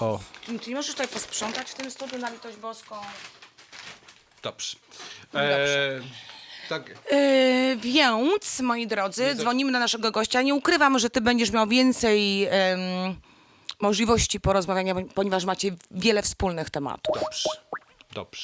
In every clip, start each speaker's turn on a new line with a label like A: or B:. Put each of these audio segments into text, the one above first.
A: O,
B: Czy nie możesz tutaj posprzątać w tym studiu na litość boską?
A: dobrze.
B: Dobrze.
A: Tak.
B: Więc, moi drodzy, dzwonimy do naszego gościa. Nie ukrywam, że ty będziesz miał więcej możliwości porozmawiania, ponieważ macie wiele wspólnych tematów.
A: Dobrze. Dobrze.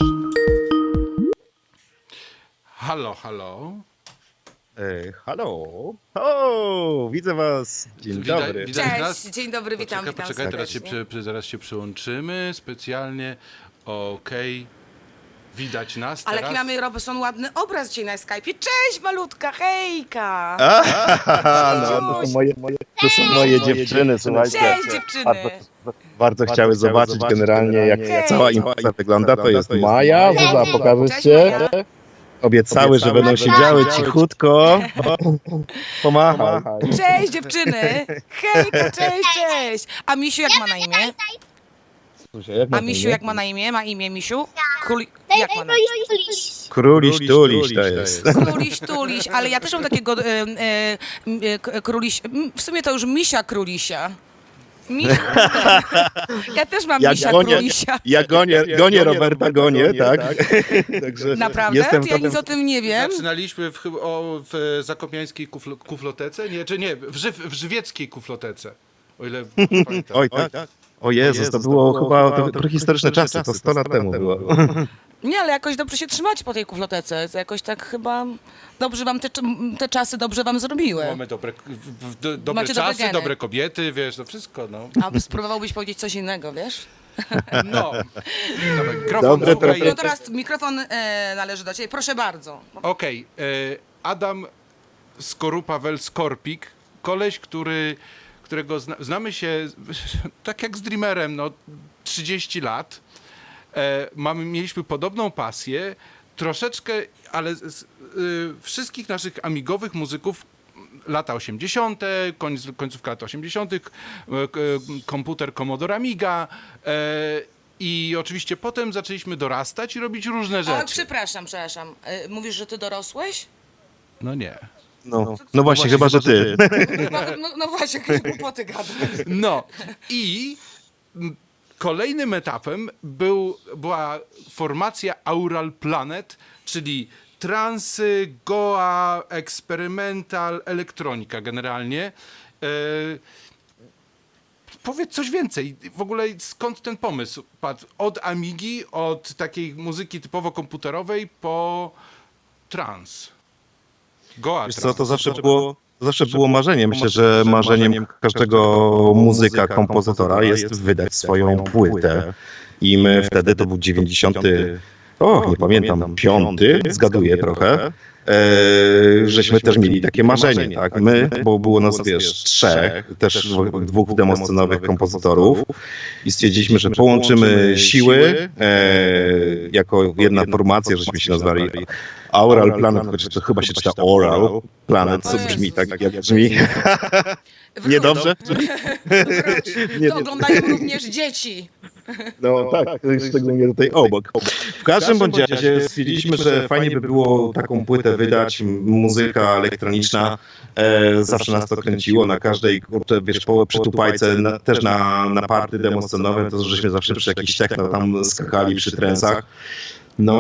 A: Halo, halo.
C: Halo. O, widzę was. Dzień dobry.
A: Widać nas?
B: Cześć, dzień dobry, witam, witam
A: Poczekaj,
B: serdecznie.
A: zaraz się przyłączymy specjalnie. Okej. Widać nas
B: Ale
A: teraz.
B: jaki mamy, Robson, ładny obraz dzisiaj na Skype'ie. Cześć, malutka, hejka!
C: No, to są moje dziewczyny, słuchajcie.
B: Cześć, dziewczyny!
C: Bardzo chciały zobaczyć generalnie, jak
B: Hej.
C: cała impreza wygląda. To jest Maja, Zuza, pokażesz
B: Cześć,
C: się.
B: Maja.
C: Obiecały, że będą siedziały cichutko. Pomachaj.
B: Cześć, dziewczyny! Hejka, cześć, cześć! A Misiu jak ma na imię? A Misiu jak ma na imię? Ma imię Misiu? Jak ma na imię?
C: Króliś, tuliś to jest.
B: Króliś, tuliś, ale ja też mam takiego króliś, w sumie to już Misia Królisia. Ja też mam Misia Królisia.
C: Ja gonię Roberta, tak? Także
B: Naprawdę?
C: jestem
B: To ja nic o tym nie wiem.
A: Zaczynaliśmy w zakopiańskiej kuflotece? Nie, czy nie, w żywieckiej kuflotece. O ile pamiętam.
C: Oj, tak. O Jezus, to było chyba prehistoryczne czasy, to 100 lat temu było.
B: Nie, ale jakoś dobrze się trzymać po tej kuflotece. To jakoś tak chyba dobrze wam te czasy dobrze wam zrobiły.
A: Mamy dobre
B: Macie dobre
A: czasy,
B: geny.
A: dobre kobiety, wiesz, to wszystko, no.
B: A spróbowałbyś powiedzieć coś innego, wiesz?
A: No. Dawaj, mikrofon,
C: Dobre,
A: słuchaj.
B: No teraz mikrofon należy do ciebie. Proszę bardzo.
A: Okej, Adam Skorupa-Wel-Skorpik, koleś, którego znamy się tak jak z Dreamerem, no 30 lat. Mieliśmy podobną pasję, troszeczkę, ale wszystkich naszych amigowych muzyków lata 80., końcówka lat 80., komputer Commodore Amiga i oczywiście potem zaczęliśmy dorastać i robić różne
B: O,
A: rzeczy.
B: przepraszam. Mówisz, że ty dorosłeś?
A: No nie.
C: No właśnie, chyba, że ty.
B: No właśnie, jakieś głupoty gadam.
A: No i kolejnym etapem była formacja Aural Planet, czyli transy, goa, eksperymental, elektronika generalnie. Powiedz coś więcej. W ogóle skąd ten pomysł padł? Od Amigi, od takiej muzyki typowo komputerowej po trans. Goa
C: Wiesz co,
A: trans.
C: to zawsze było marzeniem. Myślę, że marzeniem każdego muzyka, kompozytora jest wydać swoją płytę. I my wtedy, to był 90, nie pamiętam, 5, zgaduję trochę, żeśmy też mieli takie marzenie, tak? My, bo było nas, wiesz, 3, też 2 demoscenowych kompozytorów i stwierdziliśmy, że połączymy siły jako jedna formacja, żeśmy się nazwali Aural Planet, chociaż to chyba się czyta Oral Planet, co brzmi tak, jak brzmi. Niedobrze?
B: To oglądają również dzieci.
C: No tak, szczególnie tutaj obok. W każdym bądź razie stwierdziliśmy, że fajnie by było taką płytę wydać, muzyka elektroniczna, zawsze nas to kręciło, na każdej, kurczę, wiesz, przy tupajce, też na party demoscenowe, to żeśmy zawsze przy jakichś techno tam skakali przy trensach. No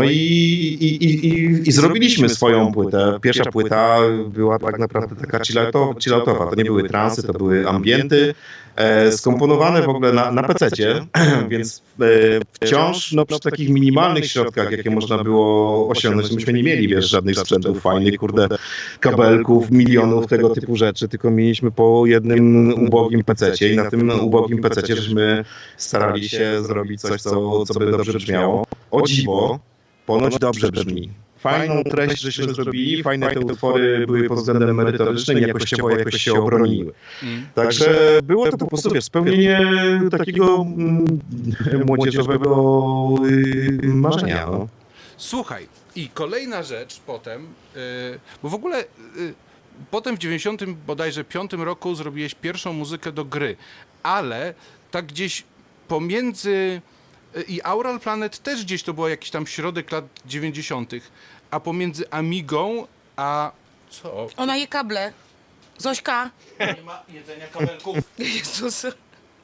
C: i zrobiliśmy swoją płytę. Pierwsza płyta była tak naprawdę taka chilloutowa. To nie były transy, to były ambienty, skomponowane w ogóle na PC-cie, więc wciąż przy takich minimalnych środkach, jakie można było osiągnąć, myśmy nie mieli, wiesz, żadnych sprzętów fajnych, kurde, kabelków, milionów tego typu rzeczy, tylko mieliśmy po jednym ubogim PC-cie i na tym ubogim PC-cie żeśmy starali się zrobić coś, co by dobrze brzmiało. O dziwo, ponoć dobrze brzmi. Fajną treść żeśmy zrobili, fajne te utwory były pod względem merytorycznym i jakościowo jakoś się obroniły. Także było to po prostu, wiesz, spełnienie takiego młodzieżowego marzenia. No.
A: Słuchaj, i kolejna rzecz potem, bo w ogóle potem w 90 bodajże 5 roku zrobiłeś pierwszą muzykę do gry, ale tak gdzieś pomiędzy i Aural Planet też gdzieś to było jakiś tam środek lat 90., a pomiędzy Amigą a co?
B: Ona je kable. Zośka.
A: Nie ma jedzenia kabelków.
B: Jezus.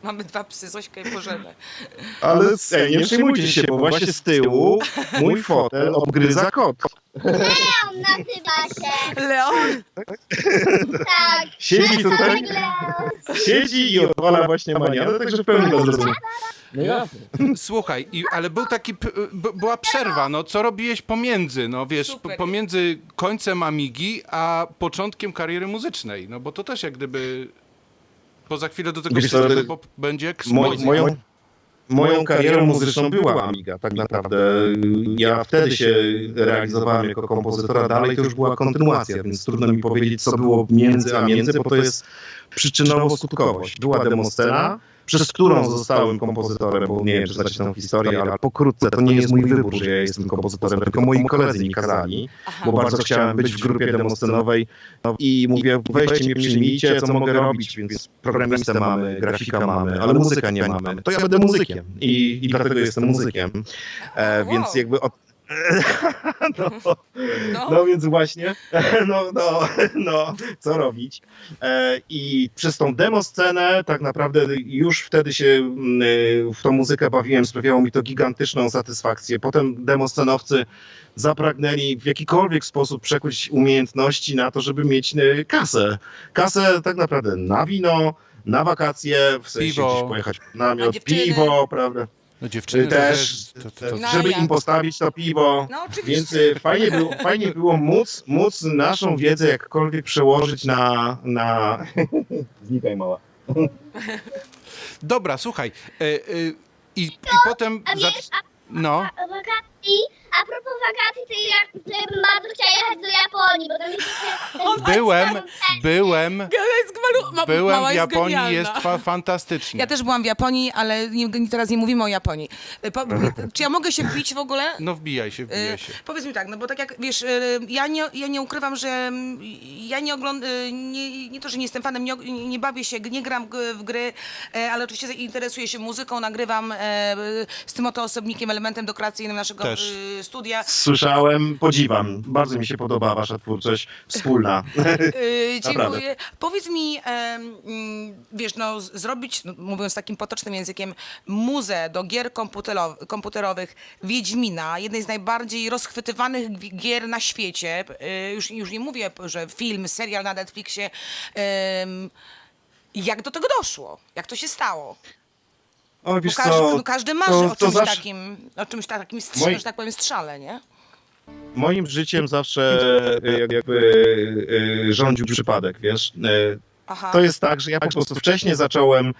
B: Mamy 2 psy, Zośkę i Bożenę.
C: Ale nie przejmujcie się, bo właśnie z tyłu mój fotel obgryza kot.
D: Leon nazywa się.
B: Leon!
D: Tak.
C: Siedzi tutaj,
D: Leon.
C: siedzi i odwala właśnie manianę, także w pełni to zrozumiem.
A: Słuchaj, ale był taki, była przerwa, no co robiłeś pomiędzy, no wiesz,
B: Super.
A: pomiędzy końcem Amigi a początkiem kariery muzycznej, no bo to też jak gdyby, bo za chwilę do tego
C: Wiesz co,
A: przejdziemy, bo będzie eksplozja.
C: Moją karierą muzyczną była Amiga, tak naprawdę. Ja wtedy się realizowałem jako kompozytora, dalej to już była kontynuacja, więc trudno mi powiedzieć, co było między a między, bo to jest przyczynowo-skutkowość. Była demoscena, przez którą zostałem kompozytorem, bo nie wiem, czy znacie tę historię, ale pokrótce, to nie jest mój wybór, że ja jestem kompozytorem, tylko moi koledzy mi kazali, bo bardzo chciałem być w grupie demoscenowej i mówię, weźcie mnie, przyjmijcie, co mogę robić, więc programistę mamy, grafika mamy, ale muzyka nie mamy. To ja będę muzykiem i dlatego jestem muzykiem. Więc jakby no więc właśnie, co robić? I przez tą demoscenę tak naprawdę już wtedy się w tą muzykę bawiłem, sprawiało mi to gigantyczną satysfakcję. Potem demoscenowcy zapragnęli w jakikolwiek sposób przekuć umiejętności na to, żeby mieć kasę. Kasę tak naprawdę na wino, na wakacje, w sensie
A: Piwo.
C: gdzieś pojechać na namiot,
B: dziewczyny.
C: piwo, prawda?
A: No dziewczyny
C: Też,
B: No,
C: żeby
B: ja.
C: im postawić to piwo.
B: No oczywiście.
C: Więc fajnie było móc naszą wiedzę jakkolwiek przełożyć na... Znikaj mała.
A: Dobra, słuchaj, i potem,
D: A wiesz,
A: no,
D: a wakacji, a propos wakacji, to ja bym bardzo chciała jechać do Japonii, bo tam jest
A: byłem
B: Mała
A: w
B: jest
A: Japonii,
B: genialna.
A: jest fantastycznie.
B: Ja też byłam w Japonii, ale teraz nie mówimy o Japonii. Czy ja mogę się wbić w ogóle?
A: No wbijaj się.
B: Powiedz mi tak, no bo tak jak wiesz, ja nie ukrywam, że ja nie oglądam, nie to, że nie jestem fanem, nie bawię się, nie gram w gry, ale oczywiście interesuję się muzyką, nagrywam z tym oto osobnikiem, elementem dekoracyjnym naszego
A: Też.
B: studia.
C: Słyszałem, podziwam. Bardzo mi się podoba wasza twórczość wspólna.
B: Dziękuję. Powiedz mi, wiesz, no zrobić, no, mówiąc takim potocznym językiem, muzę do gier komputerowych Wiedźmina, jednej z najbardziej rozchwytywanych gier na świecie. Już nie mówię, że film, serial na Netflixie. Jak do tego doszło? Jak to się stało?
C: O,
B: Bo
C: wiesz
B: każdy,
C: co,
B: no, każdy marzy
C: to
B: o czymś
C: zawsze-
B: takim,
C: Moi-
B: że tak powiem, strzale, nie?
C: Moim życiem zawsze jakby rządził przypadek, wiesz.
B: Aha.
C: To jest tak, że ja po prostu wcześniej zacząłem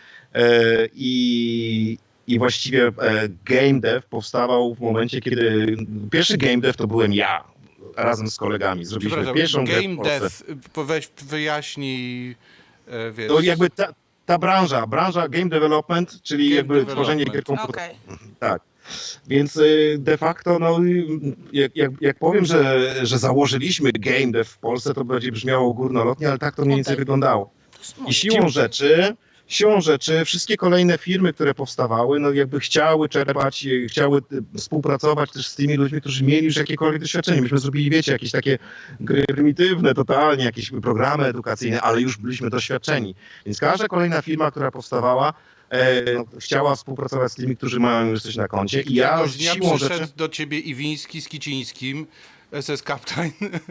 C: i właściwie game dev powstawał w momencie, kiedy pierwszy game dev to byłem ja, razem z kolegami. Zrobiliśmy
A: Przepraszam,
C: pierwszą grę w
A: Game
C: Polsce.
A: Death, weź wyjaśnij, wiesz.
C: To jakby ta branża game development, czyli
A: Game
C: jakby tworzenie gier
A: development.
C: komputerowych.
B: Okej.
C: Tak. Więc de facto, no, jak powiem, że założyliśmy game dev w Polsce, to będzie brzmiało górnolotnie, ale tak to mniej więcej
B: Okej.
C: wyglądało.
B: To jest
C: I
B: moje.
C: siłą rzeczy wszystkie kolejne firmy, które powstawały, no jakby chciały czerpać, chciały współpracować też z tymi ludźmi, którzy mieli już jakiekolwiek doświadczenie. Myśmy zrobili, wiecie, jakieś takie gry prymitywne, totalnie, jakieś programy edukacyjne, ale już byliśmy doświadczeni. Więc każda kolejna firma, która powstawała, chciała współpracować z tymi, którzy mają już coś na koncie. I ja
A: Któregoś dnia
C: siłą
A: przyszedł
C: rzeczy...
A: do ciebie Iwiński z Kicińskim, SS Captain.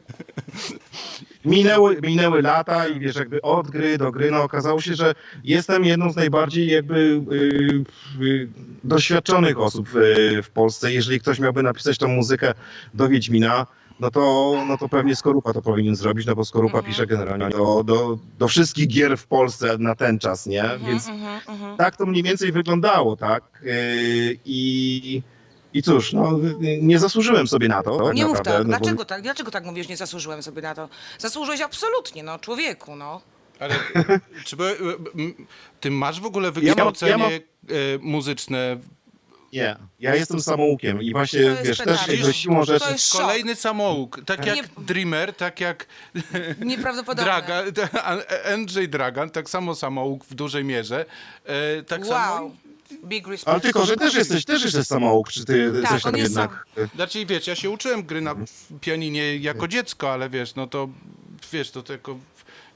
C: Minęły lata i wiesz, jakby od gry do gry, no okazało się, że jestem jedną z najbardziej jakby doświadczonych osób w Polsce. Jeżeli ktoś miałby napisać tą muzykę do Wiedźmina, no to pewnie Skorupa to powinien zrobić, no bo Skorupa pisze generalnie do wszystkich gier w Polsce na ten czas, nie? Więc tak to mniej więcej wyglądało, tak? I cóż, no nie zasłużyłem sobie na to. Tak
B: Nie mów
C: naprawdę,
B: tak.
C: no bo-
B: Dlaczego tak? Dlaczego tak mówisz, nie zasłużyłem sobie na to? Zasłużyłeś absolutnie, no, człowieku, no.
A: Ale ty masz w ogóle wykształcenie
C: mam-
A: muzyczne?
C: Nie, ja jestem samoukiem i właśnie,
B: To jest
C: wiesz, też
B: pedał.
C: jakby siłą rzeczy...
B: To jest szok.
A: Kolejny samouk, tak jak
B: Nie-
A: Dreamer, tak jak
B: Nieprawdopodobne.
A: Andrzej Dragan, tak samo samouk w dużej mierze. Tak samo.
B: Wow. Big respect.
C: Ale tylko, że też jesteś samouk, czy ty
B: Tak,
C: coś
B: on
C: tam
B: jest
C: jednak...
A: Znaczy, wiesz, ja się uczyłem gry na pianinie jako dziecko, ale wiesz, no to wiesz, to jako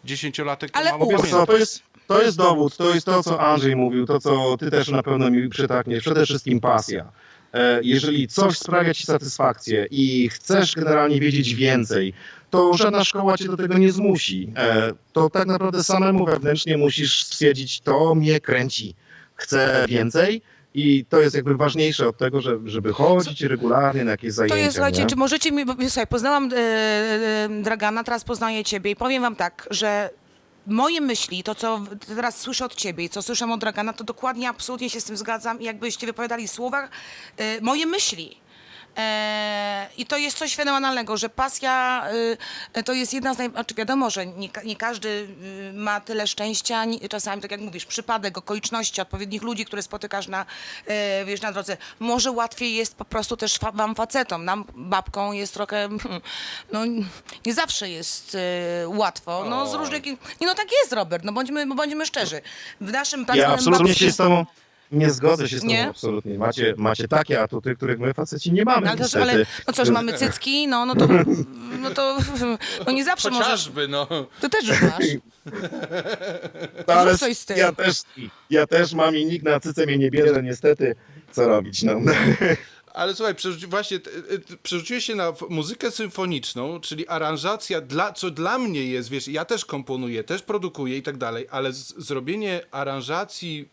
A: 10-latek to
B: Ale
A: mało
B: wiesz
C: Wiesz co, to jest dowód, to jest to, co Andrzej mówił, to, co ty też na pewno mi przytakniesz, przede wszystkim pasja. Jeżeli coś sprawia ci satysfakcję i chcesz generalnie wiedzieć więcej, to żadna szkoła cię do tego nie zmusi. To tak naprawdę samemu wewnętrznie musisz stwierdzić, to mnie kręci, chcę więcej. I to jest jakby ważniejsze od tego, żeby chodzić regularnie na jakieś zajęcia.
B: To jest, słuchajcie,
C: nie?
B: czy możecie mi, bo słuchaj, poznałam Dragana, teraz poznaję ciebie i powiem wam tak, że moje myśli, to co teraz słyszę od ciebie i co słyszę od Dragana, to dokładnie, absolutnie się z tym zgadzam i jakbyście wypowiadali słowa, moje myśli. I to jest coś fenomenalnego, że pasja to jest jedna z znaczy wiadomo, że nie każdy ma tyle szczęścia, czasami, tak jak mówisz, przypadek, okoliczności, odpowiednich ludzi, które spotykasz wiesz, na drodze. Może łatwiej jest po prostu też wam facetom, nam babką jest trochę, no nie zawsze jest łatwo, no z różnych, nie no tak jest, Robert, no bądźmy szczerzy. W naszym
C: Ja
B: pracownym
C: absolutnie się z tobą nie zgodzę się z tobą,
B: Nie?
C: absolutnie. Macie takie atuty, których my faceci nie mamy.
B: No, ale,
C: niestety.
B: ale no co, że mamy cycki, no to no nie zawsze możesz.
A: Chociażby, no.
B: To też już masz.
C: Ale
B: Zrób coś z tym.
C: ja też mam i nikt na cyce mnie nie bierze, niestety. Co robić, no.
A: Ale słuchaj, przerzuciłeś się na muzykę symfoniczną, czyli aranżacja, co dla mnie jest, wiesz, ja też komponuję, też produkuję i tak dalej, ale zrobienie aranżacji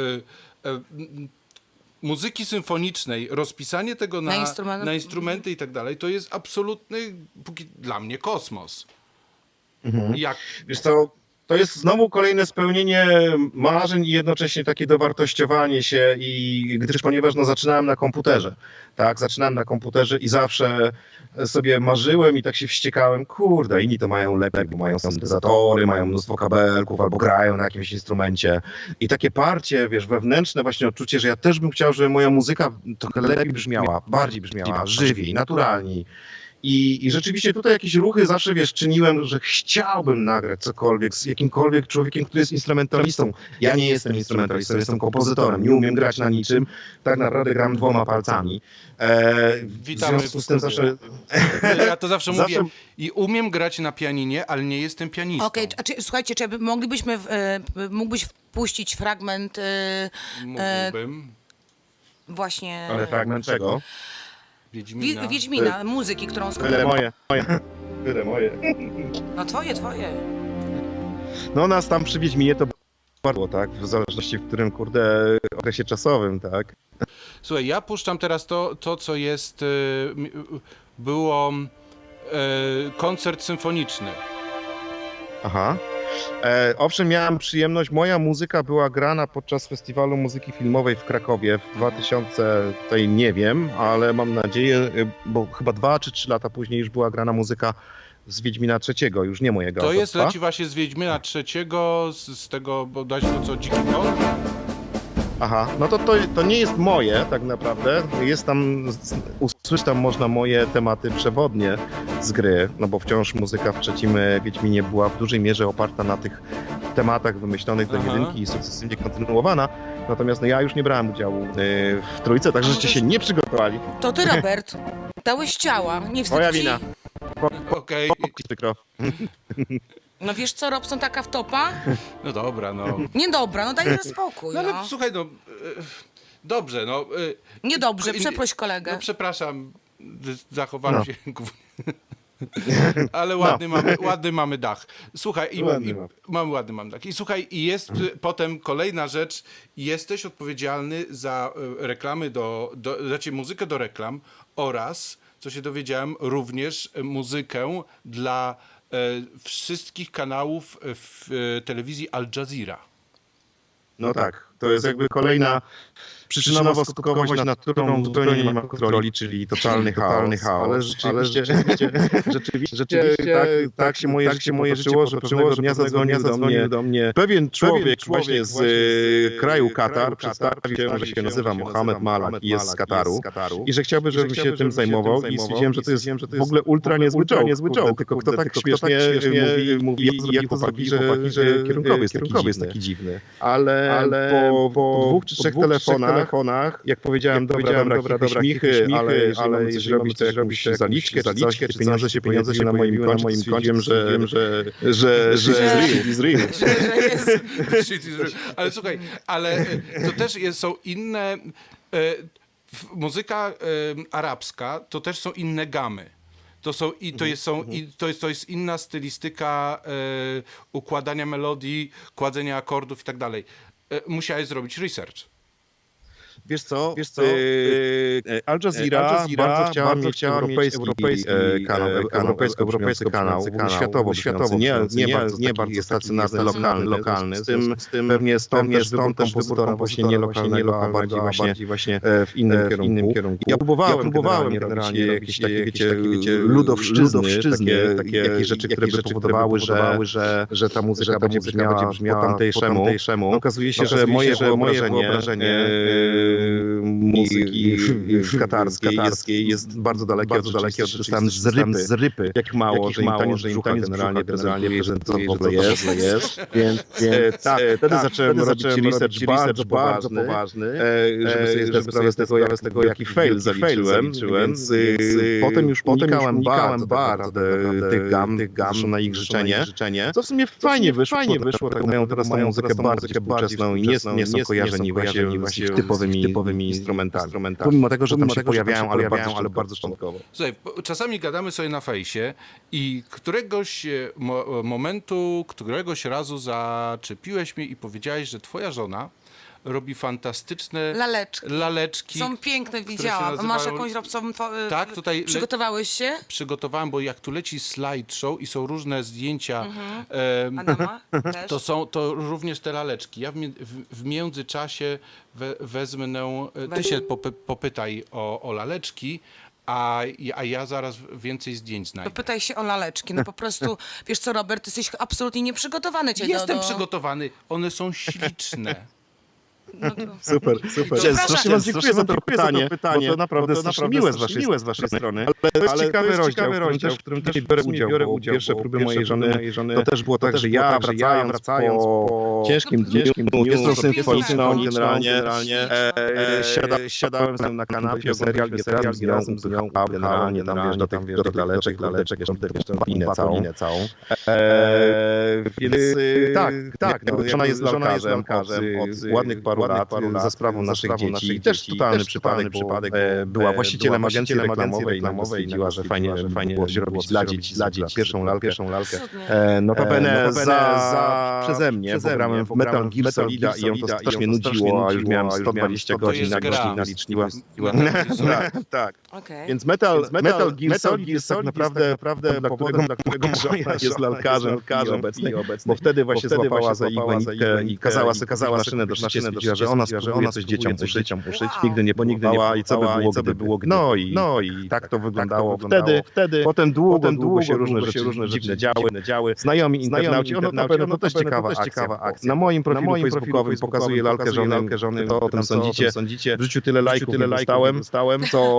A: muzyki symfonicznej, rozpisanie tego na instrumenty i tak dalej, to jest absolutny, dla mnie, kosmos. Jak...
C: Wiesz co, to jest znowu kolejne spełnienie marzeń i jednocześnie takie dowartościowanie się gdyż ponieważ no, zaczynałem na komputerze, tak, zaczynałem na komputerze i zawsze sobie marzyłem i tak się wściekałem, kurde, inni to mają lepiej, bo mają syntezatory, mają mnóstwo kabelków albo grają na jakimś instrumencie i takie parcie, wiesz, wewnętrzne właśnie odczucie, że ja też bym chciał, żeby moja muzyka trochę lepiej brzmiała, bardziej brzmiała, żywiej, naturalniej. I rzeczywiście tutaj jakieś ruchy zawsze, wiesz, czyniłem, że chciałbym nagrać cokolwiek z jakimkolwiek człowiekiem, który jest instrumentalistą. Ja nie jestem instrumentalistą, jestem kompozytorem, nie umiem grać na niczym, tak naprawdę gram 2 palcami.
A: Witamy
C: w związku z tym zawsze...
A: Ja to zawsze mówię i umiem grać na pianinie, ale nie jestem pianistą.
B: Okej, słuchajcie, czy moglibyśmy, mógłbyś wpuścić fragment
A: Mógłbym.
B: właśnie
C: Ale fragment czego?
A: Wiedźmina.
B: Wiedźmina, muzyki, którą
C: Byle moje. Byle moje.
B: No twoje.
C: No nas tam przy Wiedźminie to bardzo, tak? W zależności w którym, kurde, okresie czasowym, tak?
A: Słuchaj, ja puszczam teraz to co jest, było koncert symfoniczny.
C: Aha. Owszem, miałem przyjemność, moja muzyka była grana podczas Festiwalu Muzyki Filmowej w Krakowie w 2000, tutaj nie wiem, ale mam nadzieję, bo chyba 2 czy 3 lata później już była grana muzyka z Wiedźmina III, już nie mojego
A: To jest,
C: autorstwa.
A: leci właśnie z Wiedźmina III, z tego, bodajże to co, Dziki Kong?
C: Aha, no to nie jest moje tak naprawdę, jest tam, usłyszeć tam można moje tematy przewodnie z gry, no bo wciąż muzyka w trzecim Wiedźminie była w dużej mierze oparta na tych tematach wymyślonych do jedynki i sukcesywnie kontynuowana, natomiast no ja już nie brałem udziału w trójce, także żeście się nie przygotowali.
B: To ty, Robert, dałeś ciała, nie wstyd
C: Moja
B: ci?
C: wina.
A: Okej.
C: Przykro.
B: No wiesz co, Robson, taka wtopa?
A: No dobra, no.
B: Niedobra, no daj spokój,
A: No ale
B: no.
A: słuchaj, no, dobrze, no.
B: Niedobrze, przeproś kolegę.
A: No przepraszam, zachowałem się. Ale ładny mamy dach. Słuchaj, mamy dach. I słuchaj, i jest potem kolejna rzecz, jesteś odpowiedzialny za reklamy znaczy muzykę do reklam oraz, co się dowiedziałem, również muzykę dla wszystkich kanałów w telewizji Al Jazeera.
C: No tak, to jest jakby kolejna przyczynowo-skutkowość, nad którą zupełnie nie ma kontroli, czyli totalny chaos. Ale rzeczywiście tak się moje życie potoczyło, że dnia zadzwonił do mnie pewien człowiek właśnie z kraju Katar, przedstawił się, że się nazywa Mohamed Malak i jest z Kataru i że chciałby, żebym się tym zajmował i stwierdziłem, że to jest w ogóle ultra niezły czołg, tylko kto tak śmiesznie mówi, jak to zrobili, że kierunkowy jest taki dziwny. Ale po 2 czy 3 telefonach telefonach, jak powiedziałem, dobra, chmichy, ale jeżeli mamy coś robić, zaliczkę, czy pieniądze się pojawiły na moim koncie, stwierdziłem, że is real.
A: Shit is real. Ale słuchaj, to też są inne... Muzyka arabska to też są inne gamy. To jest inna stylistyka układania melodii, kładzenia akordów i tak dalej. Musiałeś zrobić research.
C: Wiesz co, Al Jazeera bardzo chciała mieć europejski kanał, światowo, nie bardzo stacjonarny, lokalny. Z tym pewnie stąd też wybór kompozytora właśnie nie lokalnego, a bardziej właśnie w innym kierunku. Ja próbowałem generalnie jakieś takie, wiecie, ludowszczyzny, takie rzeczy, które by powodowały, że ta muzyka będzie brzmiała po tamtejszemu. Okazuje się, że moje wyobrażenie muzyki katarskiej jest bardzo dalekie od z rypy. Jak mało, że im taniec brzucha generalnie prezentuje, że to w ogóle jest. Więc wtedy zacząłem robić research bardzo poważny, żeby sobie zdać sprawę z tego, jaki fail zaliczyłem. Więc potem już unikałem bardzo tych gam na ich życzenie. Co w sumie fajnie wyszło, tak mają teraz tą muzykę bardzo współczesną i nie są kojarzeni właśnie z typowymi instrumentami. Pomimo tego, że tam się pojawiają, ale bardzo szczątkowo.
A: Słuchaj, czasami gadamy sobie na fejsie i któregoś momentu, któregoś razu zaczepiłeś mnie i powiedziałeś, że twoja żona robi fantastyczne laleczki.
B: Są piękne, widziałam. Masz jakąś robcową...
A: Tak, tutaj...
B: Przygotowałeś się?
A: Przygotowałem, bo jak tu leci slideshow i są różne zdjęcia,
B: Adama też?
A: to również te laleczki. Ja w międzyczasie wezmę, ty się popytaj o laleczki, a ja zaraz więcej zdjęć znajdę.
B: Pytaj się o laleczki. No po prostu, wiesz co, Robert, ty jesteś absolutnie nieprzygotowany.
A: Jestem przygotowany, one są śliczne.
B: No to...
C: Super.
B: Strasznie
C: wam dziękuję za to pytanie, bo to naprawdę miłe z waszej strony. Ale to jest ciekawy rozdział, w którym też biorę udział. Pierwsze próby mojej żony, to też było tak, że ja wracając po ciężkim dniu, jest symfoniczną generalnie, siadałem z nią na kanapie, oglądaliśmy serial i razem z nią generalnie tam wiesz, do tych laleczek, jeszcze tę palinę całą. Więc tak, żona jest lalkarzem od ładnych paru lat za sprawą naszych dzieci. Też totalny przypadek, była właścicielem agencji reklamowej i nam stwierdziła, że fajnie było zrobić dla dzieci pierwszą lalkę. Notabene przeze mnie, bo grałem w Metal Gear Solida i ją to strasznie nudziło, a już miałem 120 godzin na liczniła. Tak. Więc Metal Gear Solid jest tak naprawdę powodem, dla którego żona jest lalkarzem obecnie, bo wtedy właśnie złapała za igłę nitkę i kazała sobie maszynę do szycia, stwierdziła, że ona spróbuje coś dzieciom uszyć. Nigdy nie próbowała i co by było no i tak to wyglądało wtedy. Potem długo się różne rzeczy dziwne działy. Znajomi internauci, to też ciekawa akcja. Na moim profilu facebookowym pokazuję lalkę żony, to o tym sądzicie. W życiu tyle lajków dostałem,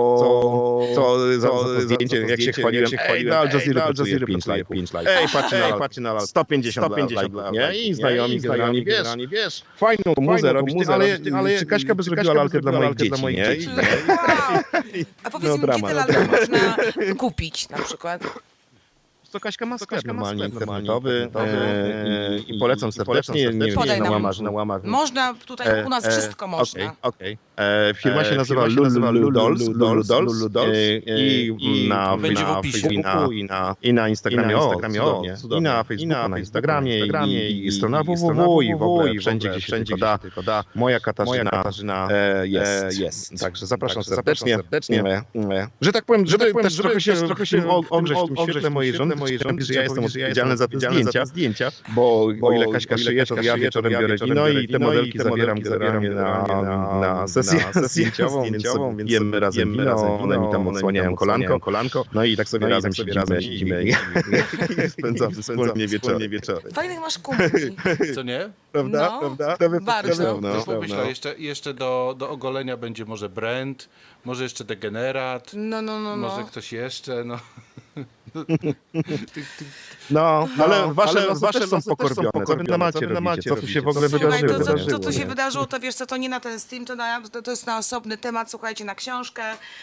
C: co za zdjęcie, jak się chwaliłem, na Al Jazeera 5 lajków. Ej, patrzcie na lalkę, 150 lajków, nie? I znajomi generalnie, wiesz, fajną muzę robić, ale czy Kaśka by zrobiła lalkę dla moich dzieci, nie?
B: A powiedz mi, kiedy lalkę można kupić na przykład?
C: To Kaśka ma sklep normalnie internetowy i polecam serdecznie, nie na łamach.
B: Można, tutaj u nas wszystko można.
C: Okej. Firma się nazywa Lulu Dolls i na Facebooku i na Instagramie, i na Facebooku, na Instagramie i strona www i w ogóle wszędzie, gdzie się tylko da. Moja Katarzyna jest. Także zapraszam serdecznie. Że tak powiem, żeby też trochę się ogrzeć w tym świetle mojej żony, że ja jestem odpowiedzialny za te zdjęcia, bo o ile Kaśka szyje, to ja wieczorem biorę wino i te modelki zabieram na sesję zdjęciową, więc jemy razem wino, one mi tam odsłaniają kolanko, no i tak sobie razem siedzimy i spędzamy wspólnie wieczory.
B: Fajnych masz kumpli.
A: Co nie?
C: Prawda?
B: Bardzo.
A: Pomyślę, jeszcze do ogolenia będzie może Brand, może jeszcze Degenerat, może ktoś jeszcze,
C: No, ale wasze też są pokorbione. Co wy na Malcie robicie? Co tu się w ogóle
B: Słuchaj,
C: wydarzyło?
B: to co się
C: nie?
B: wydarzyło, to wiesz co, to nie na ten stream, to jest na osobny temat, słuchajcie, na książkę.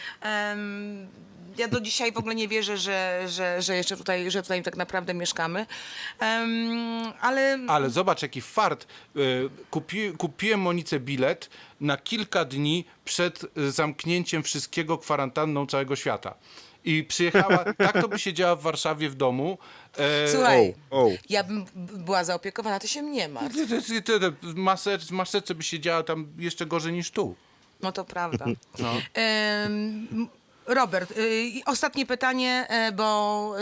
B: Ja do dzisiaj w ogóle nie wierzę, że jeszcze że tutaj tak naprawdę mieszkamy.
A: Ale zobacz, jaki fart. Kupiłem Monice bilet na kilka dni przed zamknięciem wszystkiego, kwarantanną całego świata. I przyjechała, tak to by siedziała w Warszawie w domu.
B: Słuchaj,
C: O.
B: ja bym była zaopiekowana, ty się nie martw.
A: W maseczce by siedziała tam jeszcze gorzej niż tu.
B: No to prawda.
A: No.
B: Robert, ostatnie pytanie, bo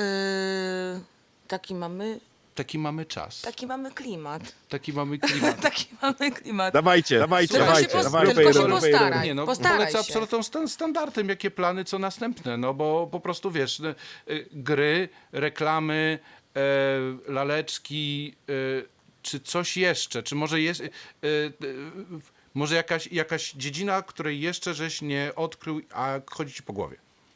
B: taki mamy
A: czas.
B: taki mamy klimat.
A: Taki mamy klimat.
B: Taki mamy klimat.
C: Dawajcie.
B: Tylko się postaraj.
A: Nie, no,
B: postaraj
A: polecę
B: się.
A: absolutną standardem, jakie plany, co następne, no bo po prostu wiesz, gry, reklamy, laleczki, czy coś jeszcze, czy może jest, może jakaś dziedzina, której jeszcze żeś nie odkrył, a chodzi ci po głowie.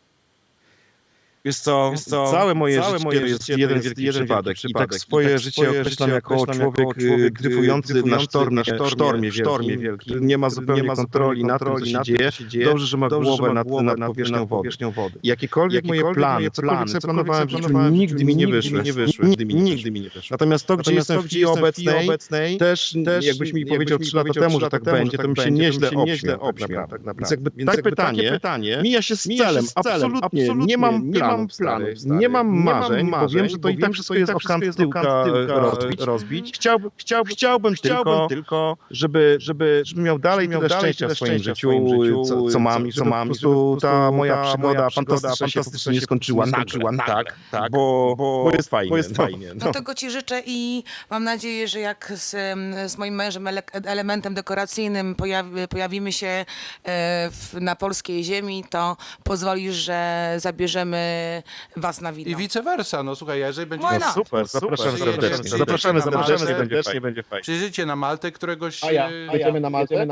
C: Wiesz co, całe moje życie to jest jeden wielki przypadek. I tak swoje życie określam jako człowiek dryfujący na sztormie wielkim. Nie ma zupełnie kontroli nad tym, co się dzieje. Dobrze, że ma głowę nad powierzchnią wody. Jakiekolwiek moje plany, cokolwiek sobie planowałem w życiu, nigdy mi nie wyszły. Nigdy mi nie wyszły. Natomiast to, gdzie jestem w chwili obecnej, też jakbyś mi powiedział 3 lata temu, że tak będzie, to bym się nieźle obśmiał. Więc jakby takie pytanie mija się z celem. Absolutnie nie mam planów, nie mam marzeń, bo wiem, że to i tak wszystko jest o kant tyłka rozbić. Chciałbym tylko, żeby miał dalej tyle szczęścia w swoim życiu, co mam, i żeby po prostu ta moja przygoda fantastycznie nie skończyła nagle, tak, bo jest fajnie.
B: No tego ci życzę i mam nadzieję, że jak z moim mężem elementem dekoracyjnym pojawimy się na polskiej ziemi, to pozwolisz, że zabierzemy was na wino.
A: I vice versa, no słuchaj, jeżeli będzie...
B: Why not?
C: Super, zapraszamy serdecznie.
A: Zapraszamy
C: Serdecznie, będzie fajnie.
A: Przyjrzyjcie na Maltę któregoś...
C: Jedziemy na Maltę?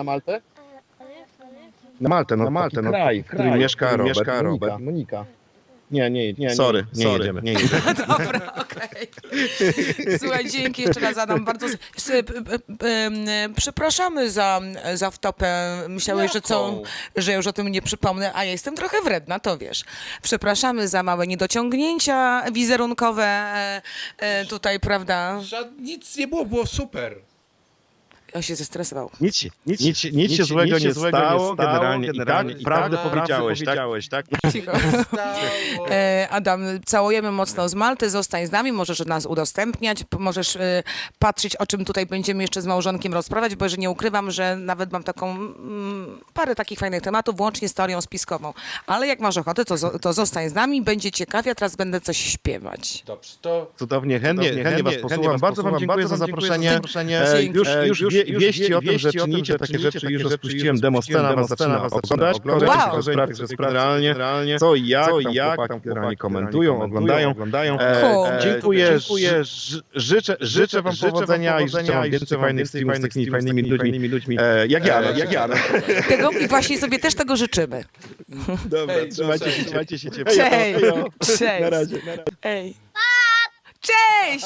C: Na Maltę, kraj, w którym mieszka Robert i Monika. Nie. Sorry, nie jedziemy.
B: Dobra, okej. Słuchaj, dzięki jeszcze raz Adam. Bardzo przepraszamy za wtopę. Myślałeś, że już o tym nie przypomnę, a ja jestem trochę wredna, to wiesz. Przepraszamy za małe niedociągnięcia wizerunkowe tutaj, prawda?
A: Nic nie było super.
B: On się zestresował.
C: Nic się złego nie stało, generalnie. I tak, prawdę powiedziałeś, tak?
B: Cicho. Adam, całujemy mocno z Malty, zostań z nami, możesz nas udostępniać, możesz patrzeć, o czym tutaj będziemy jeszcze z małżonkiem rozprawiać, bo że nie ukrywam, że nawet mam taką parę takich fajnych tematów, włącznie z teorią spiskową. Ale jak masz ochotę, to zostań z nami, będzie ciekawie, a teraz będę coś śpiewać.
A: Dobrze, to...
C: Cudownie, chętnie was posłucham. Bardzo wam dziękuję za zaproszenie. Już wieści o tym, że czynicie takie rzeczy, już rozpuściłem demo scena, was zaczyna oglądać. Generalnie co i jak tam generalnie komentują, oglądają. Dziękuję, życzę wam powodzenia i życzę wam więcej fajnych streamów z takimi fajnymi ludźmi, jak ja.
B: I właśnie sobie też tego życzymy.
C: Dobra, trzymajcie się ciepło.
B: Cześć!
C: Na razie.
B: Ej. Cześć!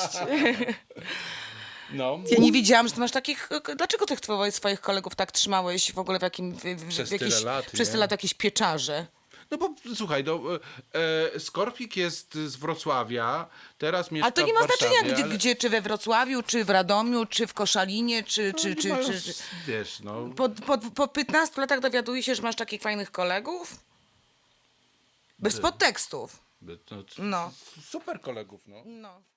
A: No.
B: Ja nie wiedziałam, że ty masz takich... Dlaczego tych swoich kolegów tak trzymałeś w ogóle
A: Przez tyle lat,
B: przez tyle lat jakieś pieczarze?
A: No bo słuchaj, Skorpik jest z Wrocławia, teraz mieszka
B: Ale to nie
A: w
B: ma
A: Warszawie,
B: znaczenia, gdzie, czy we Wrocławiu, czy w Radomiu, czy w Koszalinie, czy
A: Wiesz, no...
B: Po 15 latach dowiaduję się, że masz takich fajnych kolegów? Bez podtekstów.
A: No,
B: No.
A: super kolegów, no.
B: No.